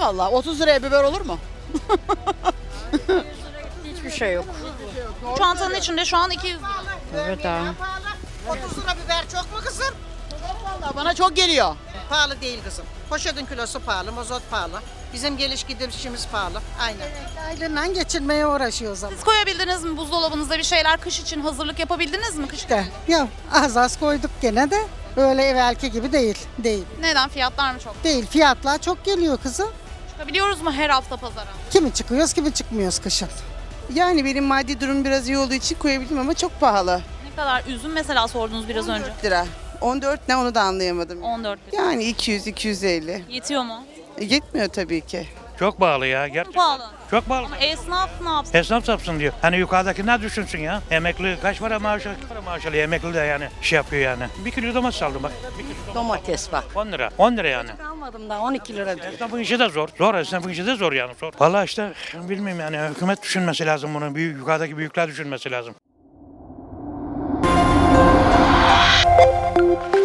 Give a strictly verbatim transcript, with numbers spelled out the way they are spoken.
Allah, otuz liraya biber olur mu? Hiçbir şey yok. Çantanın içinde şu an iki yüz lira. Evet abi. otuz lira biber çok mu kızım? Vallahi bana çok geliyor. Pahalı değil kızım. Poşetin kilosu pahalı, mazot pahalı. Bizim geliş gidişimiz pahalı. Aynen. Aylığından geçirmeye uğraşıyoruz ama. Siz koyabildiniz mi buzdolabınızda bir şeyler kış için hazırlık yapabildiniz mi? Kış İşte ya az az koyduk gene de öyle evvelki gibi değil. Değil. Neden? Fiyatlar mı çok? Değil. Fiyatlar çok geliyor kızım. Çıkabiliyoruz mu her hafta pazara? Kimi çıkıyoruz, kimi çıkmıyoruz kışın. Yani benim maddi durum biraz iyi olduğu için koyabildim ama çok pahalı. Ne kadar üzüm mesela sordunuz biraz önce. on dört lira. on dört ne onu da anlayamadım. on dört lira. Yani iki yüz iki yüz elli. Yetiyor mu? E, yetmiyor tabii ki. Çok pahalı ya Çok gerçekten. pahalı. Çok pahalı. Ama esnaf ne yapsın? Esnaf sapsın diyor. Hani yukarıdaki ne düşünsün ya? Emekli kaç para maaş alıyor? Kaç para maaş alıyor? Emekli de yani şey yapıyor yani. Bir kilo domates aldım bak. Bir kilo Domates bak. on lira. on lira yani. Almadım daha on iki lira diyor. Esnafın işi de zor. Zor esnafın işi de zor yani. Zor. Vallahi işte bilmiyorum yani hükümet düşünmesi lazım bunu. Büyük, yukarıdaki büyükler düşünmesi lazım.